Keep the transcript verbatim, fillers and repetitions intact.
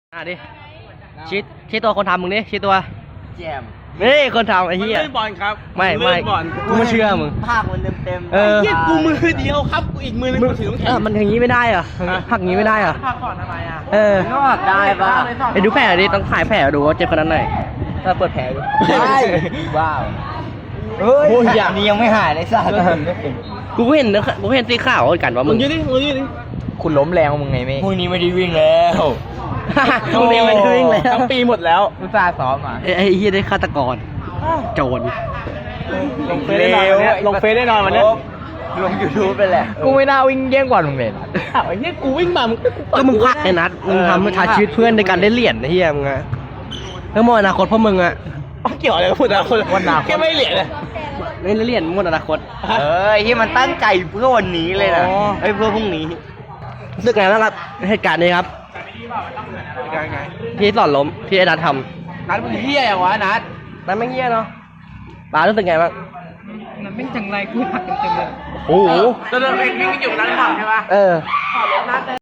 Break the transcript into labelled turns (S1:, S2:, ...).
S1: อ่ะดิชี้ชี้ตัวคนทำมึงดิชี้ตัว
S2: แจม
S1: นี่คนทำไอ้
S3: มัน
S1: เหี้ย
S3: เล่นบอลครับ
S1: ไม่ไม่
S3: นเล่นบอล
S1: กูไม่เชื่อมึง
S2: ภาคมันเต็มเต็มๆ
S1: เออ
S3: เหี้ยกูมือเดียวครับกูอีกมือนึงกูถือน้ำแข็
S1: เอง อมันอย่างนี้ไม่ได้เหรอพักอย่างนี้ไม่ได้เหรอ
S3: พักก่อนทำไมอ่ะ
S1: เออ
S2: ก็ได้ป่ะ
S1: ไปดูแผลดิต้องถ่ายแผลดูว่าเจ็บขนาดไหนถ้าเปิดแผลดู
S2: ได้ว้าวเฮ้ย
S1: โอ้ยอย่า
S2: นี่ยังไม่หายเลยสัตว์
S1: กูก็เห็นนะกูเห็นตีข่าวกันว่า
S3: มึ
S1: มึ
S3: ง
S1: ง
S3: ยืดดิมึงยืดดิ
S2: คุณล้มแรงมึงไงเมฆพรุ่งนี้ไม่ได้วิ่งแล้ว
S1: มึงเรียนไปวิ่งแล้ว
S3: ทั้งปีหมดแล้ว
S2: อุตส่าห์ซ้อมมา
S1: ไอ้ไอ้เหี้ยได้ฆาตกรโจร
S3: ลงเฟซได้นอนวันเนี้ยลงเฟซได้นอนวันเนี้ย
S2: ลงยูทูบไปแหละกูไม่น่าวิ่งเยี่ยงกว่ามึงเลย
S3: อ้าวไอ้เหี้ยกูวิ่งมามึง
S1: ก็มึงพลาดไอ้นัทมึงทำให้ชาชีวิตเพื่อนในการได้เหรียญไอ้เหี้ยมึงอะเพื่อหมดอนาคตพวกมึงอะ
S3: เกี่ยวอะไรกับพูดนะคนวันนาแค่ไม่เหรียญเลย
S1: เล่นเหรียญหมดอนาคต
S2: เอ้ยที่มันตั้งใจเพื่อวันนี้เลยนะ
S1: อ๋อ
S2: ไอ้ยเพื่อพรุ่งนี้
S1: รู้สึกไงบ้างครับเหตุการณ์นี้ครับ
S3: ยังไง
S1: ที่สอนล้มที่ไอ้นัทท
S3: นัดมึงเหี้ยอย่างวะนัด
S1: ำนัทไม่เงี้ยเนาะปารู้สึกไงบ้าง
S3: นัดไม่จังไรกูหักเต็มเลย
S1: โอ้โห
S3: แล้วเราเองวิ่งอยู่นั้นหรือเปล่าใช่ปะ
S1: เออ